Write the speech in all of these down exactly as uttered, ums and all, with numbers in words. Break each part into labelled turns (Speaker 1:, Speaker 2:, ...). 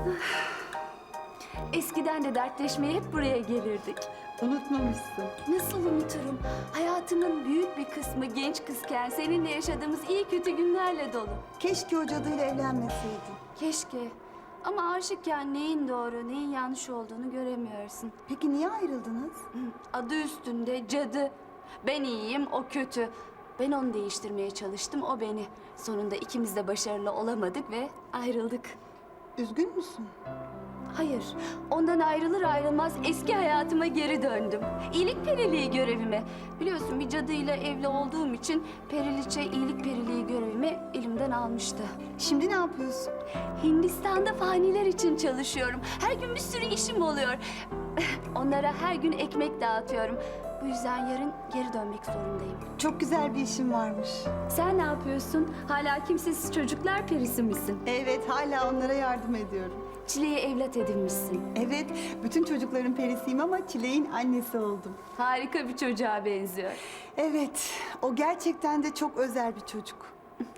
Speaker 1: Eskiden de dertleşmeye hep buraya gelirdik.
Speaker 2: Unutmamışsın.
Speaker 1: Nasıl unuturum? Hayatımın büyük bir kısmı genç kızken seninle yaşadığımız iyi kötü günlerle dolu.
Speaker 2: Keşke o cadıyla evlenmeseydin.
Speaker 1: Keşke. Ama aşıkken neyin doğru, neyin yanlış olduğunu göremiyorsun.
Speaker 2: Peki niye ayrıldınız?
Speaker 1: Adı üstünde cadı. Ben iyiyim, o kötü. Ben onu değiştirmeye çalıştım, o beni. Sonunda ikimiz de başarılı olamadık ve ayrıldık.
Speaker 2: Üzgün müsün?
Speaker 1: Hayır, ondan ayrılır ayrılmaz eski hayatıma geri döndüm. İyilik periliği görevime. Biliyorsun bir cadıyla evli olduğum için periliçe iyilik periliği görevimi elimden almıştı.
Speaker 2: Şimdi ne yapıyorsun?
Speaker 1: Hindistan'da faniler için çalışıyorum. Her gün bir sürü işim oluyor. Onlara her gün ekmek dağıtıyorum. Bu yüzden yarın geri dönmek zorundayım.
Speaker 2: Çok güzel bir işin varmış.
Speaker 1: Sen ne yapıyorsun? Hala kimsesiz çocuklar perisi misin?
Speaker 2: Evet, hala onlara yardım ediyorum.
Speaker 1: Çile'ye evlat edinmişsin.
Speaker 2: Evet, bütün çocukların perisiyim ama Çilek'in annesi oldum.
Speaker 1: Harika bir çocuğa benziyor.
Speaker 2: Evet, o gerçekten de çok özel bir çocuk.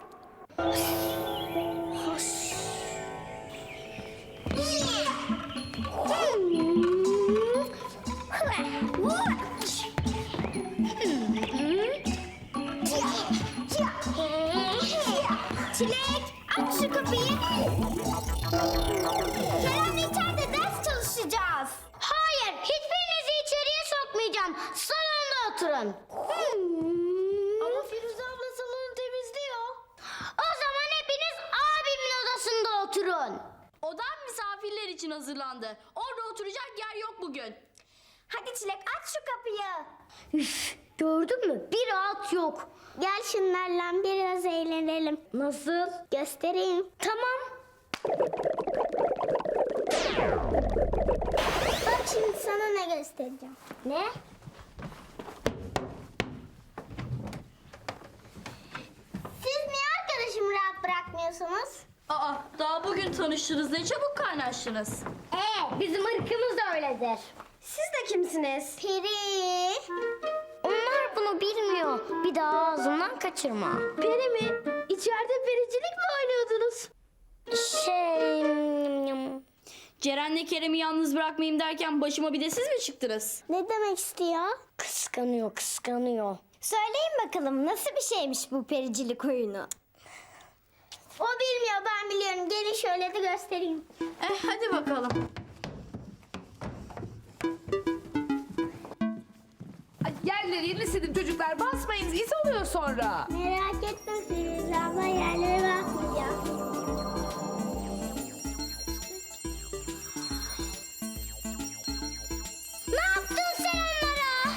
Speaker 3: Çilek, aç şu kapıyı. Kerem'le içeride ders çalışacağız. Hayır, hiçbirinizi içeriye sokmayacağım. Salonda oturun. Ama Firuze abla salonu temizliyor. O zaman hepiniz abimin odasında oturun.
Speaker 4: Odam misafirler için hazırlandı. Orada oturacak yer yok bugün.
Speaker 3: Hadi Çilek, aç şu kapıyı. Üf, gördün mü? Bir rahat yok. Gel şunlarla biraz eğlenelim. Nasıl? Göstereyim. Tamam. Bak şimdi sana ne göstereceğim. Ne? Siz niye arkadaşımı rahat bırakmıyorsunuz?
Speaker 4: Aa, daha bugün tanıştınız. Ne çabuk kaynaştınız.
Speaker 3: Ee, bizim ırkımız da öyledir. Siz de kimsiniz? Peri. Onlar bunu bilmiyor. Bir daha ağzından kaçırma. Peri mi? İçeride pericilik mi oynuyordunuz? Şey...
Speaker 4: Ceren'le Kerem'i yalnız bırakmayayım derken başıma bir de siz mi çıktınız?
Speaker 3: Ne demek istiyor? Kıskanıyor, kıskanıyor. Söyleyin bakalım nasıl bir şeymiş bu pericilik oyunu? O bilmiyor, ben biliyorum. Gelin şöyle de göstereyim.
Speaker 4: Eh, hadi bakalım.
Speaker 5: Ay, yerleri yerini silin çocuklar. Basmayın, iz oluyor sonra.
Speaker 3: Merak etme Firuze abla, yerlere bakmayacağım. Ne yaptın sen onlara?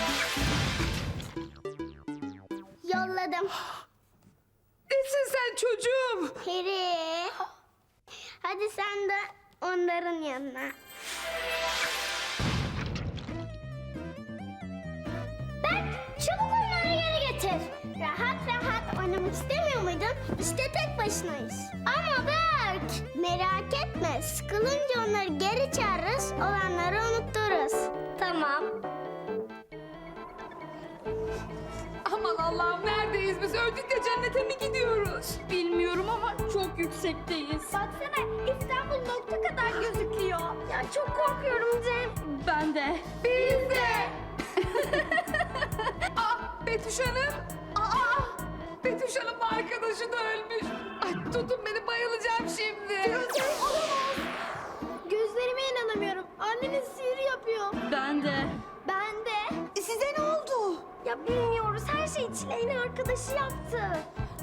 Speaker 3: Yolladım.
Speaker 5: Nesin sen çocuğum?
Speaker 3: Peri. Hadi sen de onların yanına. Ben çabuk onları geri getir. Rahat rahat oynamak istemiyor muydun? İşte tek başınayız. Ama Berk, merak etme. Sıkılınca onları geri çağırırız, olanları unuttururuz. Tamam.
Speaker 5: Aman Allah'ım, neredeyiz biz? Öldük de cennete mi gidiyoruz?
Speaker 4: Bilmiyorum ama çok yüksekteyiz.
Speaker 3: Baksana, İstanbul nokta kadar gözüküyor. Ya çok korkuyorum Cem.
Speaker 4: Ben de.
Speaker 5: Biz de. Aa, Betüş Hanım. Aa, Betüş Hanım arkadaşı da ölmüş. Ay, tutun beni, bayılacağım şimdi.
Speaker 3: Gözlerime inanamıyorum. Anneniz sihir yapıyor.
Speaker 4: Ben de.
Speaker 3: Ben de.
Speaker 2: E, size ne oldu?
Speaker 3: Ya bilmiyoruz. Her şeyi Çileğin arkadaşı yaptı.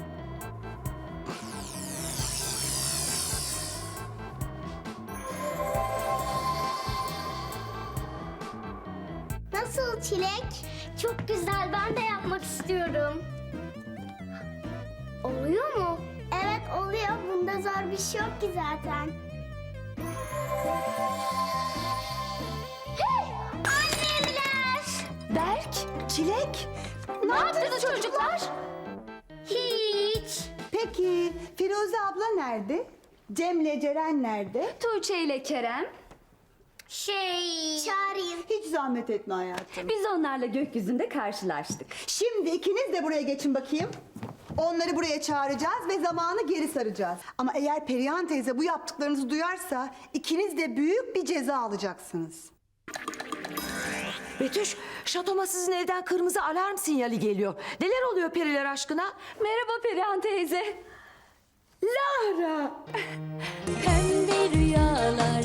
Speaker 3: Nasıl Çilek? Çok güzel. Ben de yapmak istiyorum. Oluyor mu? Evet oluyor. Bunda zor bir şey yok ki zaten. Hey! Annemler!
Speaker 2: Berk, Çilek.
Speaker 3: Ne yaptınız çocuklar? Hiç.
Speaker 2: Peki, Firuze abla nerede? Cem'le Ceren nerede?
Speaker 1: Tuğçe ile Kerem,
Speaker 3: Şey... Çağırayım.
Speaker 2: Hiç zahmet etme hayatım.
Speaker 1: biz onlarla gökyüzünde karşılaştık.
Speaker 2: Şimdi ikiniz de buraya geçin bakayım. Onları buraya çağıracağız ve zamanı geri saracağız. Ama eğer Perihan teyze bu yaptıklarınızı duyarsa ikiniz de büyük bir ceza alacaksınız.
Speaker 6: Betüş, şatoma sizin evden kırmızı alarm sinyali geliyor. Neler oluyor periler aşkına?
Speaker 1: Merhaba Perihan teyze.
Speaker 6: Lara!
Speaker 1: Pembe rüyalar